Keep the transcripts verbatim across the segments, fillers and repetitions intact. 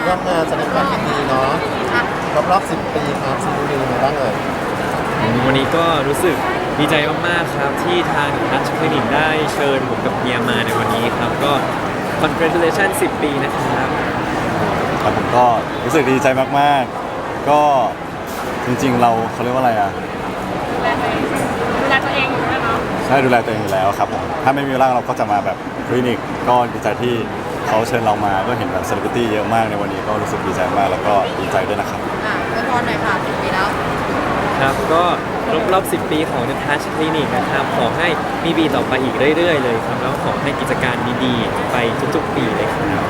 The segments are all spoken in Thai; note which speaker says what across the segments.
Speaker 1: ร่วมงานแสดงความยินดีเนาะครบรอบสิบปีครับซีรีส์ในบ้างเลย
Speaker 2: วันนี้ก็รู้สึกดีใจมากๆครับที่ทางทัชคลินิกได้เชิญผมกับเฮียมาในวันนี้ครับก็ congratulation สิบปีนะครับ
Speaker 3: ครับผมก็รู้สึกดีใจมากๆก็จริงๆเราเขาเรียกว่าอะไรอ่ะ
Speaker 4: ดูแลตัวเองดูแลตัวเองอยู่แล้วเนาะ
Speaker 3: ใช่ดูแลตัวเองอยู่แล้วครับผมถ้าไม่มีเวลาเราก็จะมาแบบคลินิกก็ดีใจที่เขาเชิญเรามาก็เห็นแบบเซเลบริตี้เยอะมากในวันนี้ก็รู้สึกดีใจมากแล้วก็ดีใจด้วยนะครับ
Speaker 5: อ่ะอวยพรหน่อยค่ะสิบปีแล้ว
Speaker 2: ครับก็รอบรอบสิบปีของ The Touch Clinic นะครับขอให้มีปีต่อไปอีกเรื่อยๆเลยครับแล้วขอให้กิจการดีๆไปทุกๆปีเลยครับ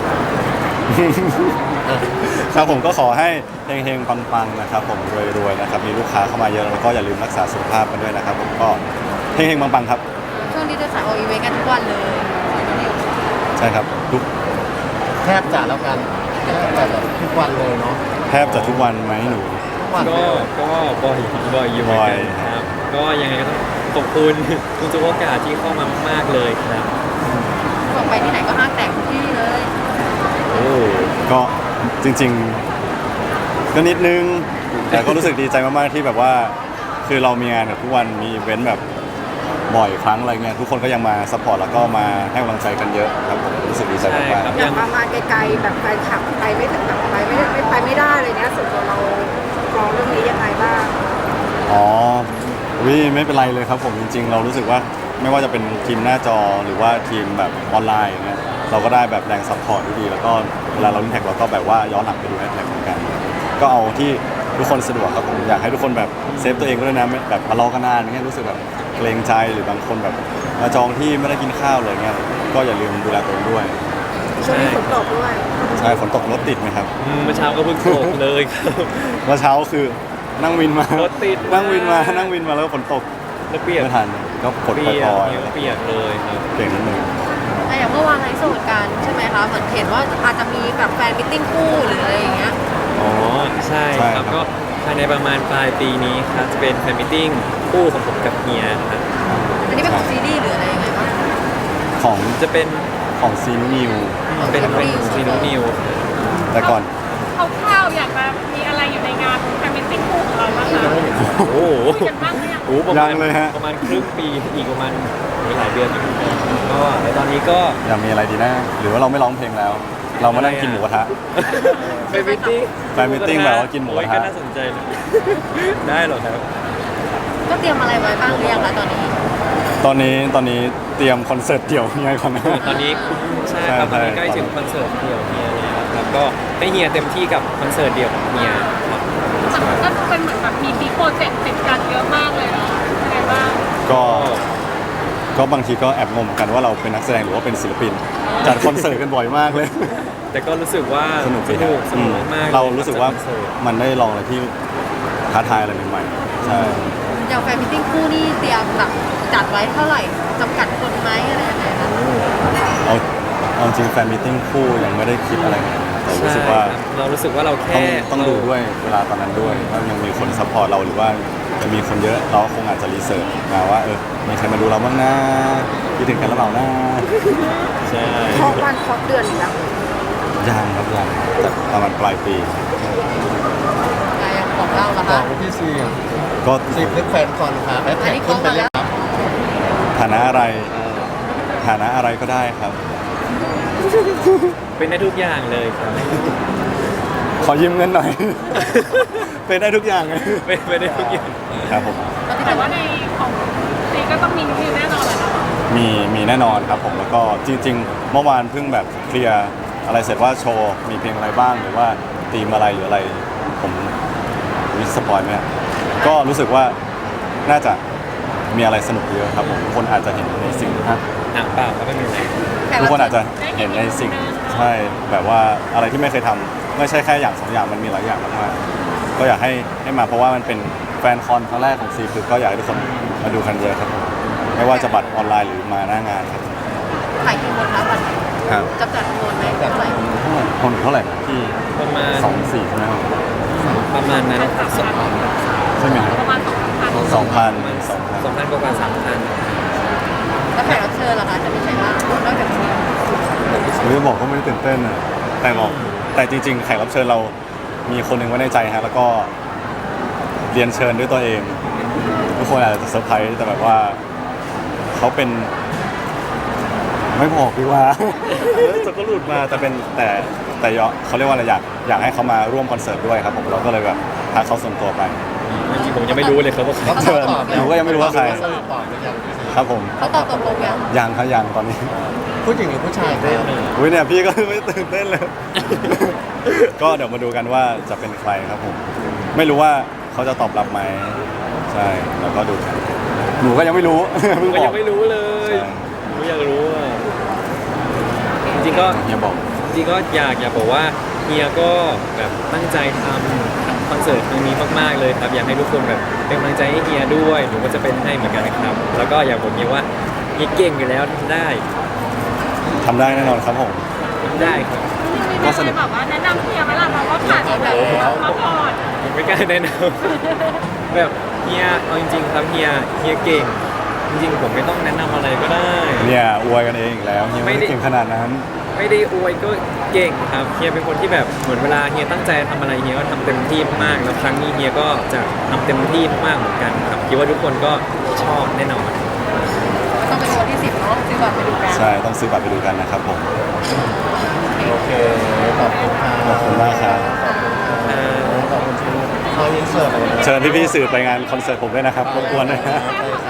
Speaker 3: ครับผมก็ขอให้เฮงๆปังๆนะครับผมรวยๆนะครับมีลูกค้าเข้ามาเยอะแล้วก็อย่าลืมรักษาสุขภาพกันด้วยนะครับผมก็เฮงๆปังๆครับ
Speaker 5: ช่วงนี้จะสายออกอีเวนต์กันทุกวันเลย
Speaker 3: ใช่ครับทุก
Speaker 1: แทบจะแล้วกันแทบจะแบบทุกวันเลยเนาะ
Speaker 3: แทบจะทุกวันไหมหนู
Speaker 2: ก็ก็บ่อยบ่อยอยู่เหมือนกันครับก็ยังไงก็ต้องขอบคุณทุกโอกาสที่เข้ามามากๆเลยครับ
Speaker 5: ส่งไปที่ไหนก็ห้างแตกทุกที่เลย
Speaker 3: โอ้ก็จริงๆก็นิดนึงแต่ก็รู้สึกดีใจมากๆที่แบบว่าคือเรามีงานแบบทุกวันมีอีเวนต์แบบบ่อยครั้งอะไรเงี้ยทุกคนก็ยังมาซัพพอร์ตแล้วก็มาให้กำลังใจกันเยอะครับผมรู้สึกดีใจมาก
Speaker 5: ๆอย่างมามาไกลๆแบบแฟนคลับไปไม่ถึงแบบไปไม่ไม่ไปไม่ได้เลยเนี้ยส่วนตัวเรามองเรื่องนี้ยังไงบ้าง
Speaker 3: อ๋อวิไม่เป็นไรเลยครับผมจริงๆเรารู้สึกว่าไม่ว่าจะเป็นทีมหน้าจอหรือว่าทีมแบบออนไลน์อย่างเงี้ยเราก็ได้แบบแรงซัพพอร์ตที่ดีแล้วก็เวลาเราเล่นแท็กเราก็แบบว่าย้อนหลังไปดูแท็กเหมือนกันก็เอาที่ทุกคนสะดวกครับผมอยากให้ทุกคนแบบเซฟตัวเองด้วยนะแบบมารอกันนานอย่างเงี้ยรู้สึกแบบเกรงใจหรือบางคนแบบมาจองที่ไม่ได้กินข้าวเลยเงี้ยก็อย่าลืมดูแลตัวเองด้วย
Speaker 5: ช่วงนี้ฝนตกด้วย
Speaker 3: ใช่ฝนตกรถติดไหมครับ
Speaker 2: เมื่อเช้าก็เพิ่งตกเลยครับ
Speaker 3: เมื่อเช้าคือนั่งวินมาร
Speaker 2: ถติด
Speaker 3: นั่งวินมานั่งวินมาแล้วฝนตก
Speaker 2: แล้วเปียก
Speaker 3: ไม่ทันก็ฝนปล่อย
Speaker 2: ๆเปียกเลยครับ
Speaker 3: เก่งนิดนึง
Speaker 5: อย่างเมื่อวานไลฟ์สดกันใช่ไหมคะเหมือนเห็นว่าอาจจะมีแบบแฟนมิทติ้งคู่หรืออะไรอย่างเงี้ย
Speaker 2: อ๋อใช่ครับก็ภายในประมาณปลายปีนี้ครับจะเป็นแฟนมิทติ้งคู่ของผมกับเฮียครับ
Speaker 5: อันนี้เป็นของซีรีส์หรืออะไรยังไงบ้าง
Speaker 3: ของ
Speaker 2: จะเป็น
Speaker 3: ของซีนิว
Speaker 2: เป็นเป็นซีนิว
Speaker 3: แต่ก่อน
Speaker 4: เขาข้าวอยากจะมีอะไรอยู่ในงานแฟนมิทติ้งคู่ของเราบ้างคะ
Speaker 2: โอ้โห
Speaker 4: กันบ้างไหม
Speaker 2: โอ้ประมาณประมาณครึ่งปีอีกประมาณหลายเดือนอยู่ก็ในตอนนี้ก็
Speaker 3: อยากมีอะไรดีนะหรือว่าเราไม่ร้องเพลงแล้วเรามานั่งกินหมูกระทะ
Speaker 2: แฟนมิทติ้ง
Speaker 3: แฟนมิทติ้งแบบว่ากินหมูกระทะ
Speaker 2: ก็น่าสนใจได้หรอครับ
Speaker 5: ก็เตรียมอะไรไว้บ้างหรือยังคะตอนนี้
Speaker 3: ตอนนี้ตอนนี้เตรียมคอนเสิร์ตเดี่ยวเฮียก่อนนะ
Speaker 2: ตอนนี้ใช่ครับตอนนี้ใกล้ถึงคอนเสิร์ตเดี่ยวเฮียแล้วครับก็ให้เฮียเต็มที่กับคอนเสิร์ตเดี่ยวของเฮีย
Speaker 4: ก็เป็นเหมือนแบบมีมีโปรเจกต์ติดกันเยอะมากเลยเนาะยังไงบ้าง
Speaker 3: ก็ก็บางทีก็แอบงงกันว่าเราเป็นนักแสดงหรือว่าเป็นศิลปินจัดคอนเสิร์ตกันบ่อยมากเลย
Speaker 2: แต่ก็รู้สึกว่า
Speaker 3: สนุก
Speaker 2: สนุกสนุกมาก
Speaker 3: เรารู้สึกว่ามันได้ลองอะไรที่ท้าทายอะไรใหม่ๆใช่
Speaker 5: อย่างแฟนมิทติ้งคู่นี่เตรียมแบบจัดไว้เท่าไหร่จำกัดคนไหมอะไรยังไงคะ
Speaker 3: เอาเอาจริงแฟนมิทติ้งคู่ยังไม่ได้คิดอะไรแต่รู้สึกว่า
Speaker 2: เรารู้สึกว่าเราแค่
Speaker 3: ต้องดูด้วยเวลาตอนนั้นด้วยว่ายังมีคนซัพพอร์ตเราหรือว่าจะมีคนเยอะเราคงอาจจะรีเสิร์ชมาว่าเออมีใครมาดูเราบ้างนะคิดถึงกันหรือเปล่านะ
Speaker 2: ใช่
Speaker 5: เคาะวันเคาะเดือนอีกแล้ว
Speaker 3: ยังครับยังแต่ประมาณปลายปี
Speaker 5: ยังของเราเหรอคะ
Speaker 1: ของพี่ซี
Speaker 3: ก็
Speaker 1: ซีเพื่อนแฟนก่อนค่ะแอดแท็กขึ้นไปเลยครับ
Speaker 3: ฐานะอะไรฐานะอะไรก็ได้ครับ
Speaker 2: เป็นได้ทุกอย่างเลยครับ
Speaker 3: ขอยืมเงินหน่อยเป็นได้ทุกอย่างเลย
Speaker 2: เป็นได้ทุกอย่าง
Speaker 3: ครับผม
Speaker 4: แต่ว่าในของซีก็ต้องมีมีแน่นอนเลยเนาะ
Speaker 3: มีมีแน่นอนครับผมแล้วก็จริงๆเมื่อวานเพิ่งแบบเคลียร์อะไรเสร็จว่าโชว์มีเพลงอะไรบ้างหรือว่าธีมอะไรหรืออะไรผมวิสปอยไหมก็รู้สึกว่าน่าจะมีอะไรสนุกเยอะครับผมทุกคนอาจจะเห็นในสิ่งนะ
Speaker 2: หนังเปล่าก็ไม่มีอะไร
Speaker 3: ทุกคนอาจจะเห็นในสิ่งใช่แบบว่าอะไรที่ไม่เคยทำไม่ใช่แค่อย่างสองอย่างมันมีหลายอย่างมากๆก็อยากให้ให้มาเพราะว่ามันเป็นแฟนคอนครั้งแรกของซีคือก็อยากให้ทุกคนมาดูกันเยอะครับผมไม่ว่าจะบัตรออนไลน์หรือมาหน้างานครับ
Speaker 5: ขายกี่คนคะบัตร
Speaker 3: ครับ
Speaker 5: จำกัดจำนวนไหมเท่าไหร่
Speaker 3: คนเท่าไหร่ที่
Speaker 2: ประมาณ
Speaker 3: สองสี่ใช่ไหม
Speaker 2: ประมาณนั้น
Speaker 3: ใช่ไหม
Speaker 4: ประมาณ
Speaker 3: สองพัน
Speaker 2: สองพันสองพันกว่าสามพัน
Speaker 5: แล้วแขกรับเชิญเหรอคะจะมีใครบ้างนอกจากนี้
Speaker 3: เรื่องบอกก็ไม่ได้ตื่นเต้นอ่ะแต่บอกแต่จริงๆแขกรับเชิญเรามีคนหนึ่งไว้ในใจฮะแล้วก็เรียนเชิญด้วยตัวเองทุกคนอาจจะเซอร์ไพรส์แต่แบบว่าเขาเป็น ไม่บอกดีกว่า จะก็หลุดมาแต่เป็นแต่แต่ยอเขาเรียกว่าอะไรอยากอยากให้เขามาร่วมคอนเสิร์ตด้วยครับผมเราก็เลยแบบพาเขาส่วนตัวไป
Speaker 2: จริงๆผมยังไม่รู้เลยครับว่าใคร
Speaker 1: เขา
Speaker 3: เชิญ
Speaker 1: ตอบแล้ว
Speaker 3: หนูก็ยังไม่รู้ว่าใคร
Speaker 1: เขตอบหรือยัง
Speaker 3: ครับผม
Speaker 5: เขาตอบตกลงยัง
Speaker 3: ยังครับยังตอนนี้
Speaker 1: ผู้หญิงหรือผู้ชายครับ
Speaker 3: อุ้ยเนี่ยพี่ก็ไม่ตื่นเต้นเลย ก็เดี๋ยวมาดูกันว่าจะเป็นใครครับผม ไม่รู้ว่าเขาจะตอบรับไหมใช่แล้วก็ดูกันหนูก็ยังไม่รู้ เพิ่ง
Speaker 2: ก็
Speaker 3: บอ
Speaker 2: ยั
Speaker 3: ก
Speaker 2: งไม่รู้เลย
Speaker 3: ใช่
Speaker 2: ผมอยากรู้อ่ะจริงๆก็
Speaker 3: เฮียบอก
Speaker 2: จริงๆก็อยากอยากบอกว่าเฮียก็แบบตั้งใจทำคอนเสิร์ตครั้งนี้มากๆเลยครับอยากให้ทุกคนแบบเป็นกำลังใจให้เฮียด้วยหนูก็จะเป็นให้เหมือนกันนะครับ แล้วก็อยากบอกเฮียว่าเฮียเก่งอยู่แล้วทำได้
Speaker 3: ทำได้แน่นอนครับผม
Speaker 2: ทำได้ครับ
Speaker 3: ก็สนุก
Speaker 4: แบบว่าแนะนำเฮียไหมล่ะเพราะว่าผ่านแบบมาก่อน
Speaker 2: ผมไม่กล้าแนะนำ แบบเฮียเอาจริงๆครับเฮียเฮียเก่ง จริงๆผมไม่ต้องแนะนำอะไรก็ได้
Speaker 3: เนี่ยอวยกันเองอีกแล้วเฮียไม่ได้เก่งขนาดนั้น
Speaker 2: ไม่ได้อวยก็เก่งครับเฮียเป็นคนที่แบบเหมือนเวลาเฮียตั้งใจทำอะไรเฮียก็ทำเต็มที่มากแล้วครั้งนี้เฮียก็จะทำเต็มที่มากเหมือนกันครับคิดว่าทุกคนก็ชอบแน่นอน
Speaker 5: ต้องเป็นวันที่สิบเนาะซื้อบัตรไปดูกัน
Speaker 3: ใช่ต้องซื้อบัตรไปดูกันนะครับผม
Speaker 1: โอเคขอบคุณครับ
Speaker 3: ขอบคุณมากครับ
Speaker 2: เอ่อ
Speaker 1: ขอบคุณที่เขายินเสิร์ฟเลยนะ
Speaker 3: เชิญพี่ๆสื่อไปงานคอนเสิร์ตผมด้วยนะครับรบกวนด้วยนะ
Speaker 1: ใช่